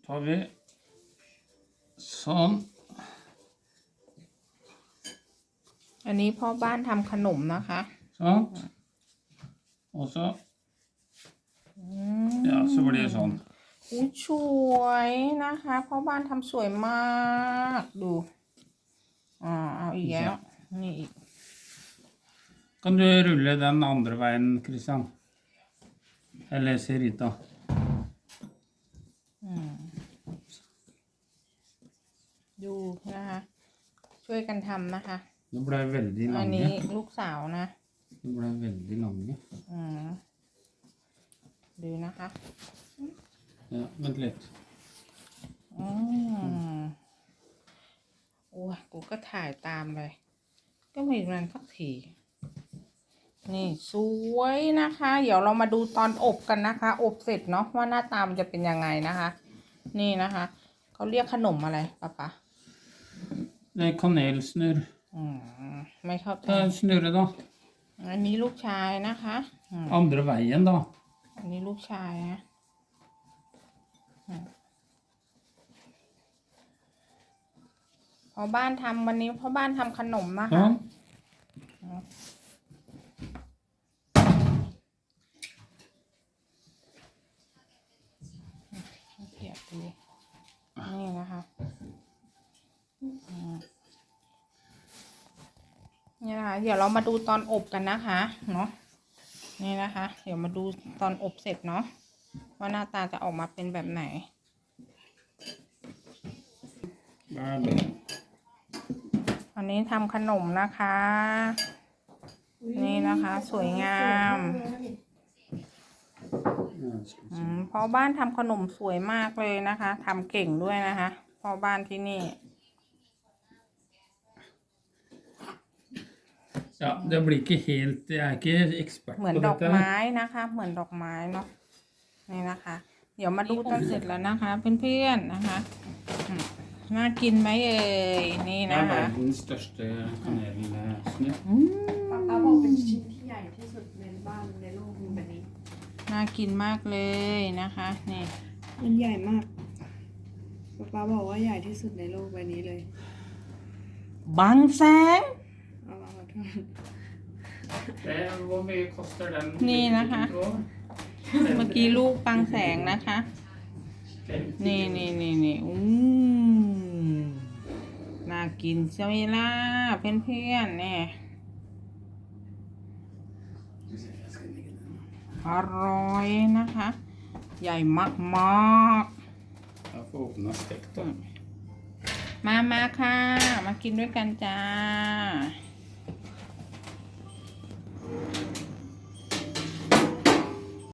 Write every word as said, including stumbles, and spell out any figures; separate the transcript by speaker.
Speaker 1: tar vi sånn.
Speaker 2: อันนี้พ่อบ้านทำขนมนะคะ
Speaker 1: Sånn. Og så Ja, så blir det sånn.
Speaker 2: อุ้ยสวยนะคะพ่อบ้านทำสวยมากดูอ่าเอาอีกแล้วนี่อีก
Speaker 1: Kan du rulle den andre veien, Christian? Eller Serita?
Speaker 2: ดูนะคะช่วยกันทำนะคะ
Speaker 1: Det ble veldig
Speaker 2: อันนี้
Speaker 1: lange.
Speaker 2: ลูกสาวนะ
Speaker 1: Det ble veldig lange.
Speaker 2: อืมดูนะคะ
Speaker 1: Ja, vent litt.
Speaker 2: อืมโอ้ยกูก็ถ่ายตามเลย ก็ไม่มันสักทีนี่สวยนะคะ เดี๋ยวเรามาดูตอนอบกันนะคะ อบเสร็จเนาะว่าหน้าตามันจะเป็นยังไงนะคะ นี่นะคะเขาเรียกขนมอะไรปะปะ
Speaker 1: Det er kanelsnurr.
Speaker 2: อืมไม่เข้าใจ
Speaker 1: Ta snurre, da.
Speaker 2: อันนี้ลูกชายนะคะอืม
Speaker 1: Andre veien, da.
Speaker 2: อันนี้ลูกชายนะอืมพอบ้านทำวันนี้พ่อบ้านทำขนมนะคะ
Speaker 1: Sånn.
Speaker 2: เขียบดูนี่นะคะอืมนี่นะคะเดี๋ยวเรามาดูตอนอบกันนะคะเนาะนี่นะคะ เดี๋ยวมาดูตอนอบเสร็จเนาะว่าหน้าตาจะออกมาเป็นแบบไหน
Speaker 1: Vær det.
Speaker 2: อันนี้ทำขนมนะคะ นี่นะคะ สวยงาม
Speaker 1: Ja, skal vi
Speaker 2: อื
Speaker 1: se.
Speaker 2: มพ่อบ้านทำขนมสวยมากเลยนะคะทำเก่งด้วยนะคะพ่อบ้านที่นี่
Speaker 1: Ja, det blir ikke helt Jeg er ikke ekspert
Speaker 2: เหมือน
Speaker 1: på
Speaker 2: ดอก
Speaker 1: dette.
Speaker 2: ไม้นะคะ เหมือนดอกไม้เนาะนี่นะคะ เดี๋ยวมาดูตอนเสร็จแล้วนะคะ เพื่อนๆนะคะอืมน่ากินไหมเอ่ยนี่
Speaker 1: Det
Speaker 2: นะ
Speaker 1: er
Speaker 2: คะ
Speaker 1: verdens største kanelsnurr.
Speaker 2: อืม
Speaker 3: ป๊าป๊าบอกเป็นชิ้นที่ใหญ่ที่สุดในบ้านในโลกมีแบบนี้
Speaker 2: น่ากินมากเลยนะคะนี่
Speaker 3: มันใหญ่มากป๊าป๊าบอกว่าใหญ่ที่สุดในโลกใบนี้เลย
Speaker 2: บังแสง
Speaker 3: เอามาขอโทษ
Speaker 1: Det, hvor mye koster den?
Speaker 2: นี่นะคะ เมื่อกี้ลูกบังแสงนะคะ นี่นี่นี่นี่อู้น่ากินใช่ไหมล่ะเพื่อนๆเนี่ยอร่อยนะคะ ใหญ่มากมาก
Speaker 1: Jeg får åpne stekt, da.
Speaker 2: มามาค่ะ มากินด้วยกันจ้า